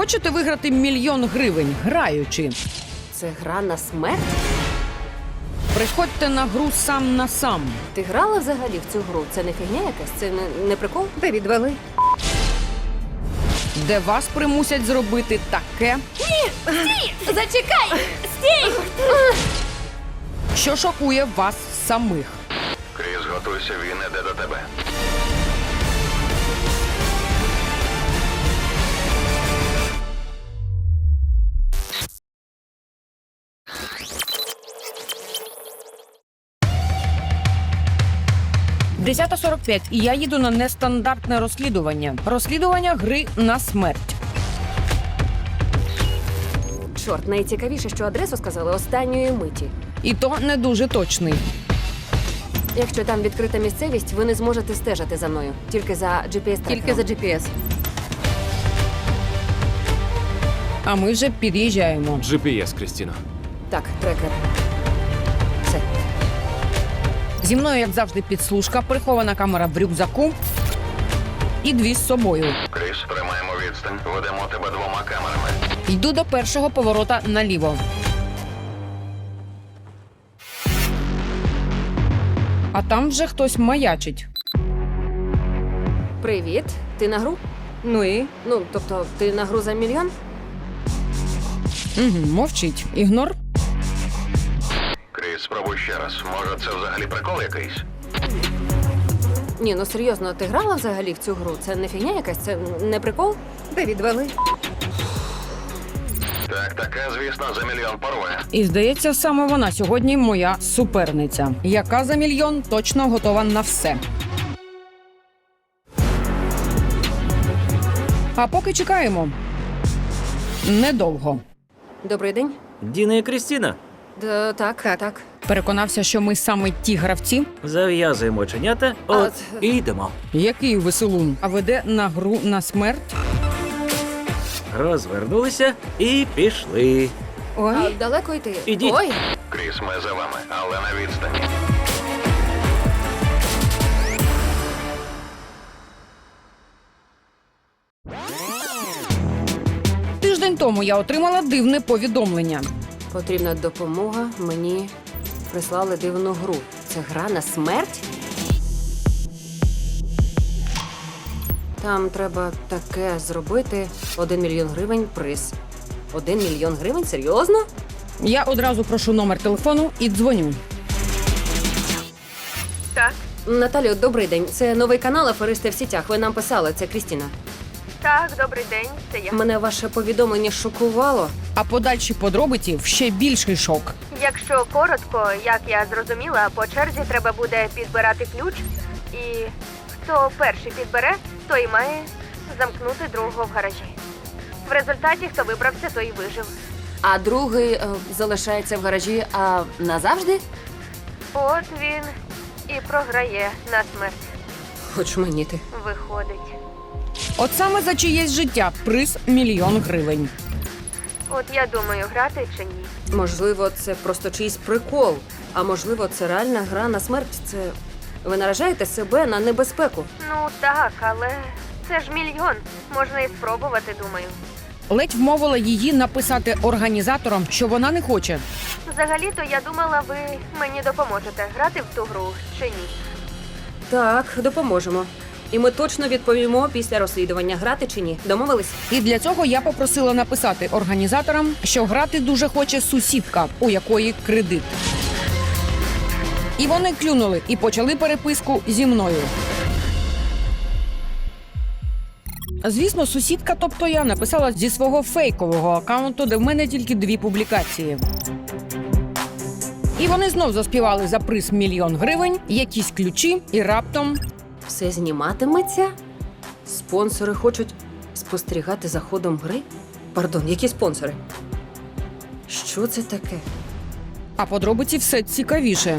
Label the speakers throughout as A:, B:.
A: Хочете виграти 1 мільйон гривень, граючи?
B: Це гра на смерть?
A: Приходьте на гру сам на сам.
B: Ти грала взагалі в цю гру? Це не фігня якась? Це не прикол?
C: Та відвали.
A: Де вас примусять зробити таке,
B: Зачекай! Стій!
A: що шокує вас самих.
D: Кріс, готуйся, він іде до тебе.
A: – 10:45, і я їду на нестандартне розслідування. Розслідування гри на смерть.
B: Чорт, найцікавіше, що адресу сказали останньої миті.
A: І то не дуже точний.
B: Якщо там відкрита місцевість, ви не зможете стежити за мною. Тільки за GPS-трекером.
C: Тільки за GPS.
A: А ми вже під'їжджаємо.
E: GPS, Крістіно.
B: Так, трекер. Все.
A: Зі мною, як завжди, підслужка, прихована камера в рюкзаку і 2 з собою.
D: Кріс, тримаємо відстань. Ведемо тебе 2 камерами.
A: Йду до першого поворота наліво. А там вже хтось маячить.
B: Привіт. Ти на гру?
C: Ну і?
B: Ну, тобто, ти на гру за 1 мільйон?
A: Угу, мовчить. Ігнор.
D: Кріс, спробуй ще раз. Може, це взагалі прикол якийсь?
B: Ні, ну серйозно, ти грала взагалі в цю гру? Це не фігня якась? Це не прикол?
C: Та відвали.
D: Так, таке, звісно, за 1 мільйон порве.
A: І, здається, саме вона сьогодні моя суперниця, яка за 1 мільйон точно готова на все. А поки чекаємо. Недовго.
B: Добрий день.
F: Діна і Крістіна,
B: Так.
A: Переконався, що ми саме ті гравці,
F: зав'язуємо оченята, от і йдемо.
A: який веселун, а веде на гру на смерть.
F: Розвернулися і пішли.
C: Ой.
B: А далеко йти?
F: Ідіть.
B: Ой,
D: Кріс, ми за вами, але на відстані.
A: Тиждень тому я отримала дивне повідомлення.
B: потрібна допомога. Мені прислали дивну гру. Це гра на смерть? Там треба таке зробити. 1 мільйон гривень приз. 1 мільйон гривень? Серйозно?
A: Я одразу прошу номер телефону і дзвоню.
B: Наталю, добрий день. Це новий канал «Аферисти в сітях». Ви нам писали, це Крістіна.
G: Так, добрий день, це я.
B: Мене ваше повідомлення шокувало.
A: А подальші подробиці в ще більший шок.
G: Якщо коротко, як я зрозуміла, по черзі треба буде підбирати ключ, і хто перший підбере, той має замкнути другого в гаражі. В результаті, хто вибрався, той і вижив.
B: А другий залишається в гаражі, а назавжди?
G: От він і програє на смерть.
B: Хоч мені ти.
G: Виходить.
A: От саме за чиєсь життя приз 1 мільйон гривень.
G: От я думаю, грати чи ні.
B: Можливо, це просто чийсь прикол. А можливо, це реальна гра на смерть. Це ви наражаєте себе на небезпеку.
G: Ну так, але це ж 1 мільйон. Можна і спробувати, думаю.
A: Ледь вмовила її написати організаторам, що вона не хоче.
G: Взагалі-то я думала, ви мені допоможете грати в ту гру чи ні.
B: Так, допоможемо. І ми точно відповімо після розслідування, грати чи ні. Домовились?
A: І для цього я попросила написати організаторам, що грати дуже хоче сусідка, у якої кредит. І вони клюнули і почали переписку зі мною. Звісно, сусідка, тобто я, написала зі свого фейкового акаунту, де в мене тільки 2 публікації. І вони знов заспівали за приз 1 мільйон гривень, якісь ключі, і раптом...
B: Все зніматиметься? Спонсори хочуть спостерігати за ходом гри? Пардон, які спонсори? Що це таке?
A: А подробиці все цікавіше.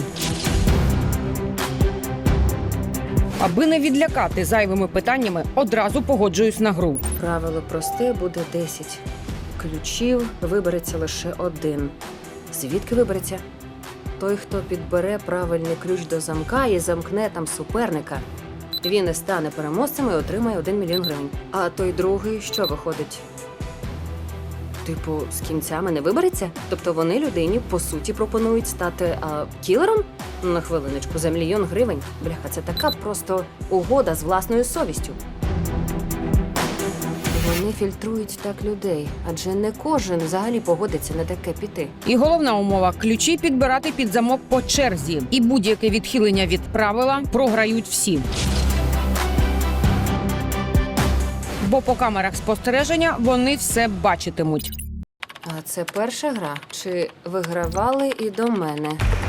A: Аби не відлякати зайвими питаннями, одразу погоджуюсь на гру.
B: Правило просте, буде 10. Ключів вибереться лише 1. Звідки вибереться? Той, хто підбере правильний ключ до замка і замкне там суперника. Він і стане переможцем і отримає 1 мільйон гривень. А той другий, що виходить? Типу, з кінцями не вибереться? Тобто вони людині, по суті, пропонують стати кілером? На хвилиночку, за 1 мільйон гривень? Бляха, це така просто угода з власною совістю. Вони фільтрують так людей, адже не кожен взагалі погодиться на таке піти.
A: І головна умова – ключі підбирати під замок по черзі. І будь-яке відхилення від правила програють всі. Бо по камерах спостереження вони все бачитимуть.
B: А це перша гра? Чи вигравали і до мене?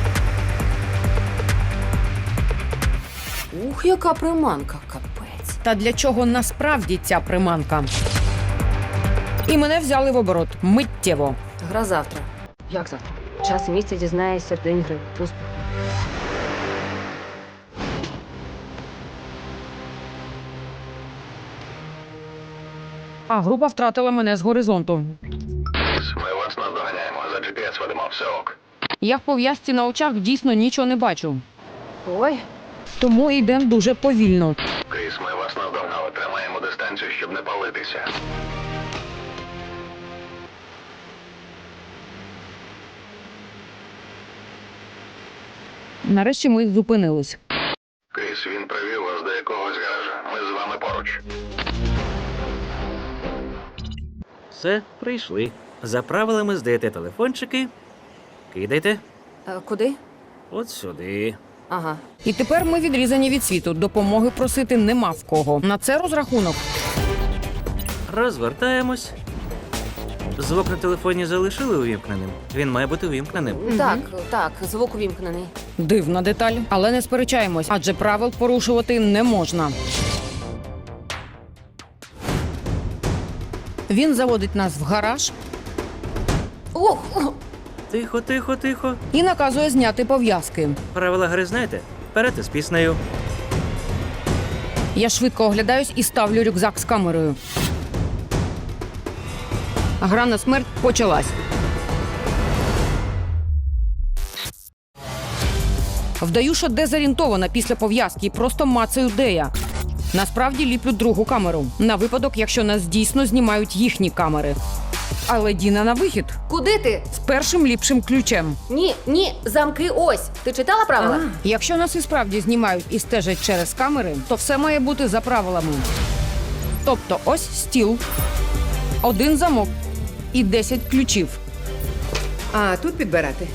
B: Ух, яка приманка, капець.
A: Та для чого насправді ця приманка? І мене взяли в оборот миттєво.
B: Гра завтра. Як завтра? Час і місце дізнаєшся в день гри. Успіху.
A: А група втратила мене з горизонту.
D: Кріс, ми вас наздоганяємо. За GPS ведемо, все ок.
A: Я в пов'язці на очах дійсно нічого не бачу.
B: Ой,
A: Тому йдемо дуже повільно.
D: Кріс, ми вас наздогнали. Тримаємо дистанцію, щоб не палитися.
A: Нарешті ми зупинились.
D: Кріс, він привів вас до якогось гаража. Ми з вами поруч.
F: Все, прийшли. За правилами здаєте телефончики. Кидайте.
B: куди?
F: От сюди.
B: Ага.
A: І тепер ми відрізані від світу. Допомоги просити нема в кого. На це розрахунок.
F: Розвертаємось. Звук на телефоні залишили увімкненим. Він має бути увімкненим.
B: Так, звук увімкнений.
A: Дивна деталь, але не сперечаємось, адже правил порушувати не можна. Він заводить нас в гараж
B: Ох!
F: Тихо, тихо, тихо.
A: і наказує зняти пов'язки.
F: Правила гри знаєте? Вперед із піснею.
A: Я швидко оглядаюсь і ставлю рюкзак з камерою. Гра на смерть почалась. Вдаю, що дезорієнтована після пов'язки і просто мацаю, де я. Насправді ліплю другу камеру. На випадок, якщо нас дійсно знімають їхні камери. Але Діна на вихід.
B: Куди ти?
A: З першим ліпшим ключем.
B: Ні, замки ось. Ти читала правила?
A: Якщо нас і справді знімають і стежать через камери, то все має бути за правилами. Тобто ось стіл, 1 замок і 10 ключів.
C: А тут підбирати.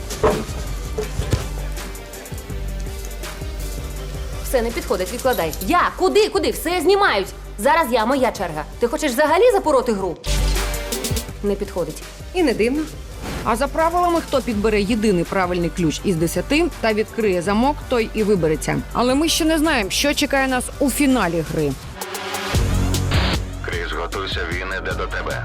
B: Все не підходить, відкладай. Я? Куди? Все знімають. Зараз моя черга. Ти хочеш взагалі запороти гру? Не підходить.
C: І не дивно.
A: А за правилами, хто підбере єдиний правильний ключ із 10 та відкриє замок, той і вибереться. Але ми ще не знаємо, що чекає нас у фіналі гри.
D: Кріс, готуйся, він іде до тебе.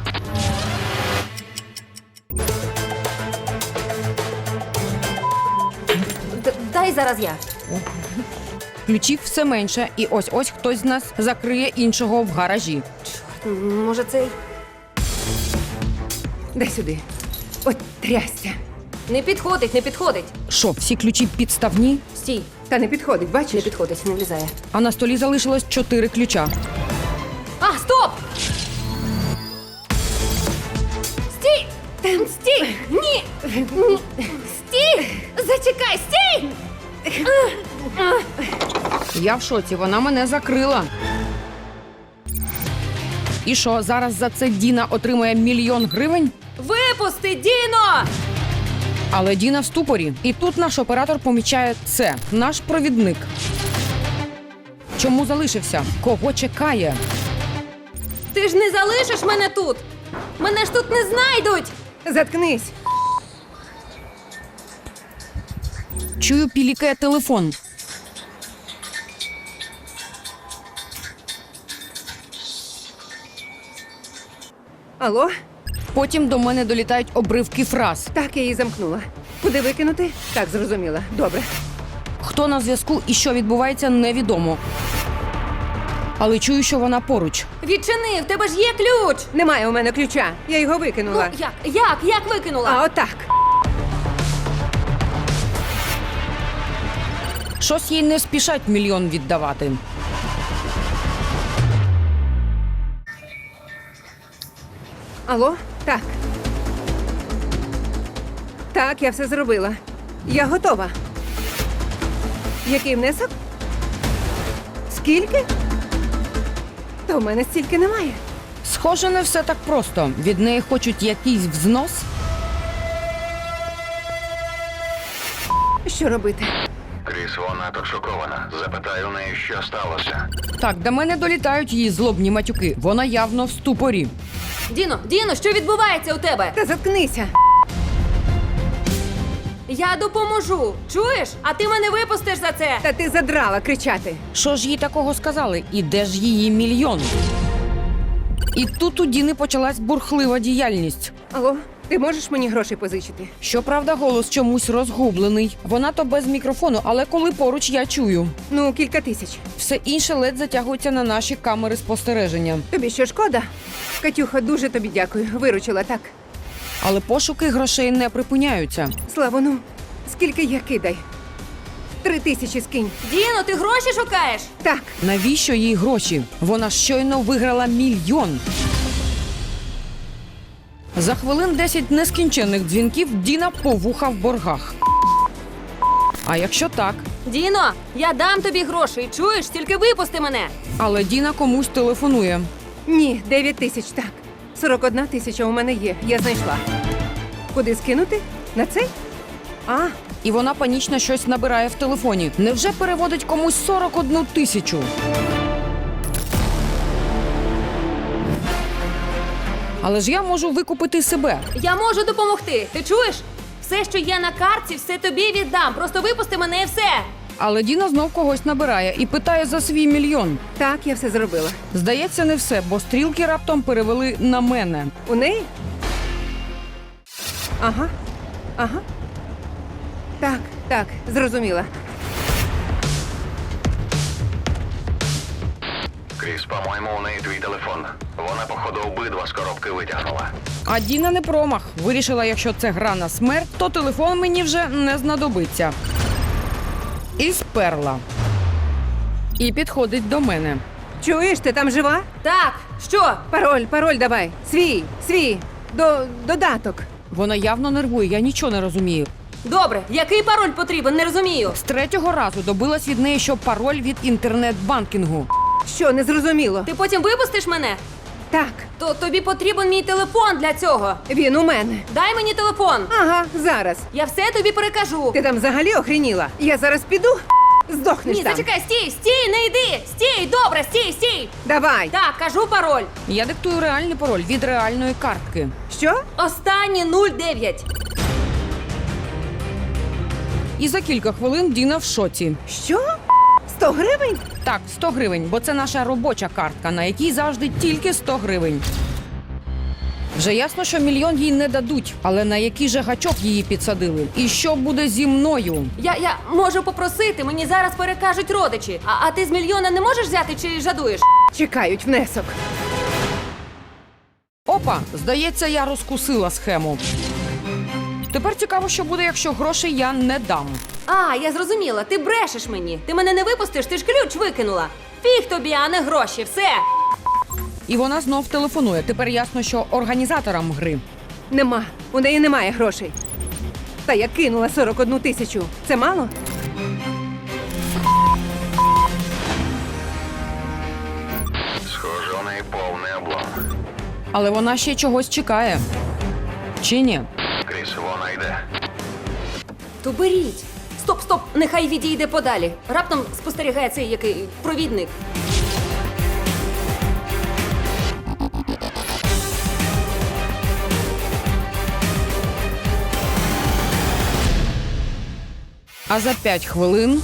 B: Дай зараз я.
A: Ключів все менше, і ось-ось хтось з нас закриє іншого в гаражі.
B: Може, цей?
C: Дай сюди. От трясся.
B: Не підходить.
A: Що, всі ключі підставні?
B: Стій.
C: Та не підходить,
B: Не
C: бачиш?
B: підходить, не влізає.
A: А на столі залишилось 4 ключа.
B: А, стоп! Стій! Стій! Ні! Стій! Зачекай, стій!
A: Я в шоці, вона мене закрила. І що, зараз за це Діна отримає 1 мільйон гривень?
B: Випусти, Діно!
A: Але Діна в ступорі. І тут наш оператор помічає це. Наш провідник. Чому залишився? Кого чекає?
B: Ти ж не залишиш мене тут! Мене ж тут не знайдуть!
C: Заткнись.
A: Чую, пілікає телефон.
C: Алло?
A: Потім до мене долітають обривки фраз.
C: Так, я її замкнула. Куди викинути? Так, зрозуміла. Добре.
A: Хто на зв'язку і що відбувається, невідомо. Але чую, що вона поруч.
B: Відчини, в тебе ж є ключ!
C: Немає у мене ключа. Я його викинула.
B: Як викинула?
C: А отак.
A: Щось їй не спішать 1 мільйон віддавати.
C: Алло? Так. Так, я все зробила. Я готова. Який внесок? Скільки? Та в мене стільки немає.
A: Схоже, не все так просто. Від неї хочуть якийсь взнос.
C: Що робити?
D: Кріс, вона тут шокована. Запитай у неї, що сталося.
A: Так, до мене долітають її злобні матюки. Вона явно в ступорі.
E: Діно, що відбувається у тебе?
C: Та заткнися.
E: Я допоможу. Чуєш? А ти мене випустиш за це.
C: Та ти задрала кричати.
A: Що ж їй такого сказали? І де ж її мільйон? І тут у Діни почалась бурхлива діяльність.
C: Алло, ти можеш мені грошей позичити?
A: Щоправда, голос чомусь розгублений. Вона то без мікрофону, але коли поруч я чую.
C: Ну, кілька тисяч.
A: Все інше ледь затягується на наші камери спостереження.
C: Тобі що, шкода? Катюха, дуже тобі дякую. Виручила так.
A: Але пошуки грошей не припиняються.
C: Слава, ну, скільки є, кидай. 3000 скинь.
E: Діно, ти гроші шукаєш?
C: Так,
A: Навіщо їй гроші? Вона щойно виграла мільйон. За хвилин 10 нескінченних дзвінків Діна по вуха в боргах. А якщо так?
E: Діно, я дам тобі грошей. Чуєш? Тільки випусти мене.
A: Але Діна комусь телефонує.
C: ні, 9000, так. 41 тисяча у мене є, я знайшла. Куди скинути? На цей? А,
A: І вона панічно щось набирає в телефоні. Невже переводить комусь 41 тисячу? Але ж я можу викупити себе.
E: Я можу допомогти. Ти чуєш? Все, що є на картці, все тобі віддам. Просто випусти мене і все.
A: Але Діна знов когось набирає і питає за свій мільйон.
C: так, я все зробила.
A: Здається, не все, бо стрілки раптом перевели на мене.
C: У неї? Ага. Ага. Так, зрозуміла.
D: Кріс, по-моєму, у неї твій телефон. Вона, походу, обидва з коробки витягнула.
A: А Діна не промах. Вирішила, якщо це гра на смерть, то телефон мені вже не знадобиться. І сперла. І підходить до мене.
C: Чуєш, ти там жива?
E: Так, що?
C: Пароль давай. Свій. Додаток.
A: Вона явно нервує, я нічого не розумію.
E: Добре, який пароль потрібен? Не розумію.
A: З третього разу добилась від неї, що пароль від інтернет-банкінгу.
C: Що, не зрозуміло?
E: Ти потім випустиш мене?
C: Так,
E: То тобі потрібен мій телефон для цього.
C: він у мене.
E: Дай мені телефон.
C: Ага, зараз.
E: Я все тобі перекажу.
C: Ти там взагалі охреніла? Я зараз піду, здохнеш
E: Ні,
C: там.
E: зачекай, стій, не йди. Стій, добре, стій.
C: Давай.
E: Так, кажу пароль.
A: Я диктую реальний пароль від реальної картки.
C: Що?
E: Останні 09.
A: І за кілька хвилин Діна в шоці.
C: Що? 100 гривень?
A: Так, 100 гривень, бо це наша робоча картка, на якій завжди тільки 100 гривень. Вже ясно, що мільйон їй не дадуть, але на який же гачок її підсадили? І що буде зі мною?
E: Я можу попросити, мені зараз перекажуть родичі. А ти з мільйона не можеш взяти чи жадуєш?
C: Чекають внесок.
A: Опа, здається, я розкусила схему. Тепер цікаво, що буде, якщо грошей я не дам.
E: А, я зрозуміла, ти брешеш мені. Ти мене не випустиш, ти ж ключ викинула. Фіг тобі, а не гроші, все.
A: І вона знов телефонує. Тепер ясно, що організаторам гри.
C: Нема. У неї немає грошей. Та я кинула 41 тисячу. Це мало?
D: Схоже, у неї повний облом.
A: Але вона ще чогось чекає. Чи ні?
D: Кріс, вона йде.
E: То беріть. Стоп, нехай відійде подалі. Раптом спостерігає цей який провідник.
A: А за 5 хвилин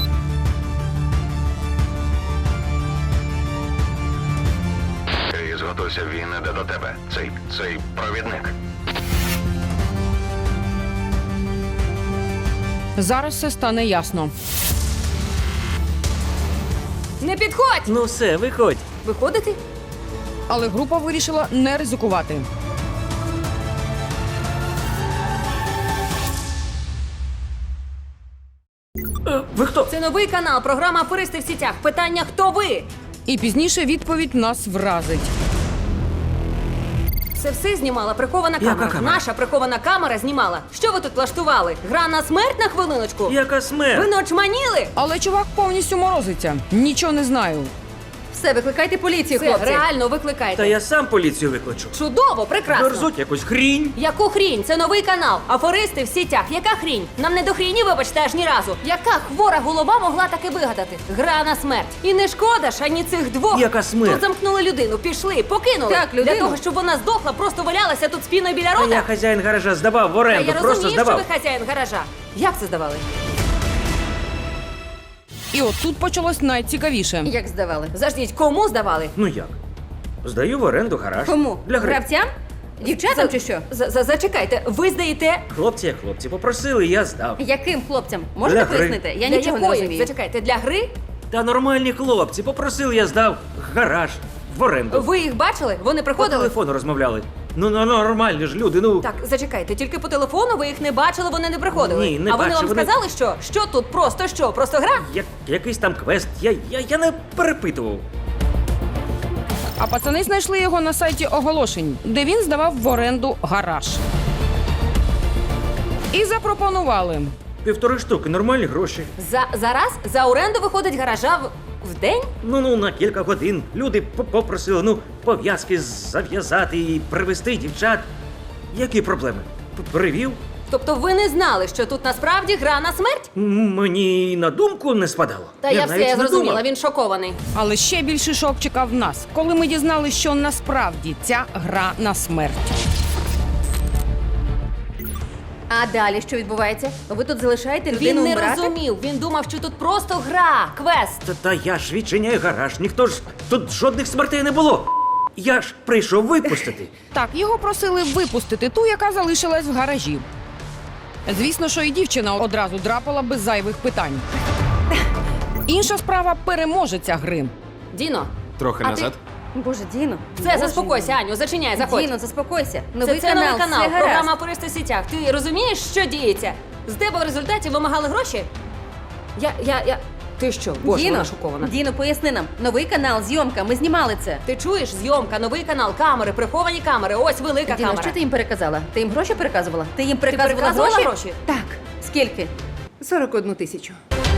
D: Кріс, готуйся, він іде до тебе. Цей провідник.
A: зараз все стане ясно.
E: Не підходь!
F: Ну все, виходь.
E: Виходити?
A: Але група вирішила не ризикувати.
F: Ви хто?
E: Це новий канал, програма «Аферисти в сітях». Питання «Хто ви?».
A: І пізніше відповідь нас вразить.
E: Це все знімала прихована
F: Яка
E: камера.
F: камера?
E: Наша прихована камера знімала. Що ви тут влаштували? Гра на смерть на хвилиночку?
F: Яка смерть?
E: Ви не очманіли?
A: Але чувак повністю морозиться. Нічого не знаю.
C: Все, викликайте поліцію,
E: Це
C: хлопці.
E: реально викликайте.
F: Та я сам поліцію викличу.
E: Чудово, прекрасно.
F: Верзуть якусь хрінь.
E: Яку хрінь? Це новий канал. Афористи в сітях. Яка хрінь? Нам не до хріні, вибачте, аж ні разу. Яка хвора голова могла таке вигадати? Гра на смерть. І не шкода ж ані цих двох.
F: Яка смерть?
E: Тут замкнули людину, пішли, покинули.
C: Так, людину.
E: Для того, щоб вона здохла, просто валялася тут спіною біля
F: Та
E: рота.
F: я хазяїн гаража здавав в
E: Та
F: оренду,
E: я
F: просто
E: розумію,
F: здавав.
E: що ви хазяїн гаража. Як це здавали?
A: І от тут почалось найцікавіше.
C: Як здавали?
E: Заждіть, кому здавали?
F: Ну як? Здаю в оренду гараж.
C: Кому?
F: Для гри.
C: Гравцям? Дівчатам чи що?
E: Зачекайте, ви здаєте
F: Хлопці, як хлопці, попросили, я здав.
C: Яким хлопцям? Можете
F: Для гри.
C: пояснити? Я
E: для
C: нічого не
E: якої?
C: розумію.
E: Зачекайте, для гри?
F: Та нормальні хлопці, попросили, я здав гараж в оренду.
E: Ви їх бачили? Вони
F: По
E: приходили?
F: телефону розмовляли. Ну, нормальні ж люди, ну.
E: Так, зачекайте, тільки по телефону ви їх не бачили, вони не приходили.
F: Ні, не
E: а вони
F: бачив,
E: вам
F: вони-
E: сказали, що? Що тут просто що? Просто гра?
F: Якийсь там квест. Я не перепитував.
A: А пацани знайшли його на сайті оголошень, де він здавав в оренду гараж. І запропонували.
F: 1,5 штуки, нормальні гроші.
E: Зараз за оренду виходить гаража в день?
F: Ну, на кілька годин. Люди попросили, пов'язки зав'язати і привезти дівчат. Які проблеми? Привів?
E: Тобто ви не знали, що тут насправді гра на смерть?
F: Мені й на думку не спадало.
E: Та я
F: навіть
E: все
F: не
E: зрозуміла,
F: думав.
E: він шокований.
A: Але ще більший шок чекав нас, коли ми дізналися, що насправді ця гра на смерть.
C: А далі що відбувається? Ви тут залишаєте людину
E: Він не
C: вмирати?
E: розумів, він думав, що тут просто гра, квест.
F: Та я ж відчиняю гараж, ніхто ж тут жодних смертей не було. Я ж прийшов випустити.
A: Так, його просили випустити ту, яка залишилась в гаражі. Звісно, що і дівчина одразу драпала без зайвих питань. Інша справа переможеця гри.
E: Діно,
H: Трохи
E: А
H: назад.
C: Боже, Діно.
E: все,
C: Боже
E: заспокойся, Аню, зачиняй, заходь.
C: Діно, заспокойся.
E: Це
C: Новий канал,
E: новий канал,
C: все
E: програма
C: гаразд.
E: «Аферисти в сітях». Ти розумієш, що діється? З тебе в результаті вимагали гроші? Я... Ти що? Боже,
C: Діно,
E: вона шокована.
C: Діно, поясни нам. Новий канал, зйомка, ми знімали це.
E: Ти чуєш? Зйомка, новий канал, камери, приховані камери, ось велика
C: Діно,
E: камера.
C: що ти їм переказала? Ти їм гроші переказувала? Ти їм переказувала,
E: переказувала гроші?
C: Так. Скільки?
H: 41 тисячу.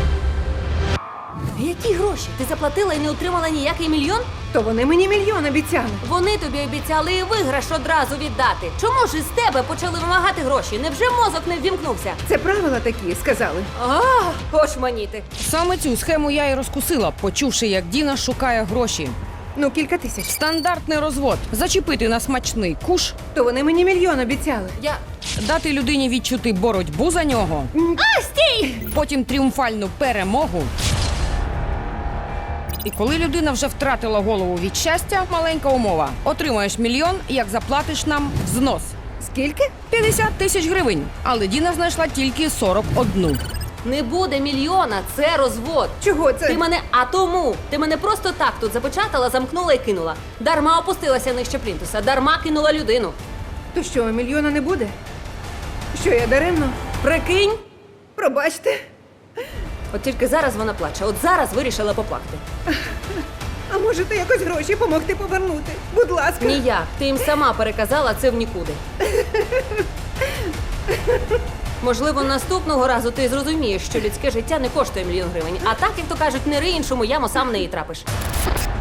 E: Які гроші? Ти заплатила і не отримала ніякий мільйон?
C: То вони мені мільйон обіцяли.
E: Вони тобі обіцяли і виграш одразу віддати. Чому ж із тебе почали вимагати гроші? Невже мозок не ввімкнувся?
H: Це правила такі, сказали.
E: Очманіти.
A: Саме цю схему я і розкусила, почувши, як Діна шукає гроші.
H: Ну, кілька тисяч.
A: Стандартний розвод. Зачепити на смачний куш,
H: То вони мені мільйон обіцяли.
A: дати людині відчути боротьбу за нього, потім тріумфальну перемогу. І коли людина вже втратила голову від щастя, маленька умова. Отримаєш мільйон, як заплатиш нам взнос.
H: Скільки?
A: 50 тисяч гривень. Але Діна знайшла тільки 41.
E: Не буде мільйона, це розвод.
H: Чого це?
E: Ти мене, а тому, ти мене просто так тут запечатала, замкнула і кинула. Дарма опустилася нижче плінтуса, дарма кинула людину.
H: То що, мільйона не буде? Що, я даремно?
E: Прикинь?
H: Пробачте.
E: От тільки зараз вона плаче, от зараз вирішила поплакати.
H: А можете якось гроші помогти повернути? Будь ласка.
E: Ніяк, ти їм сама переказала це в нікуди. Можливо, наступного разу ти зрозумієш, що людське життя не коштує мільйон гривень. А так, як то кажуть, не ри іншому яму, сам в неї трапиш.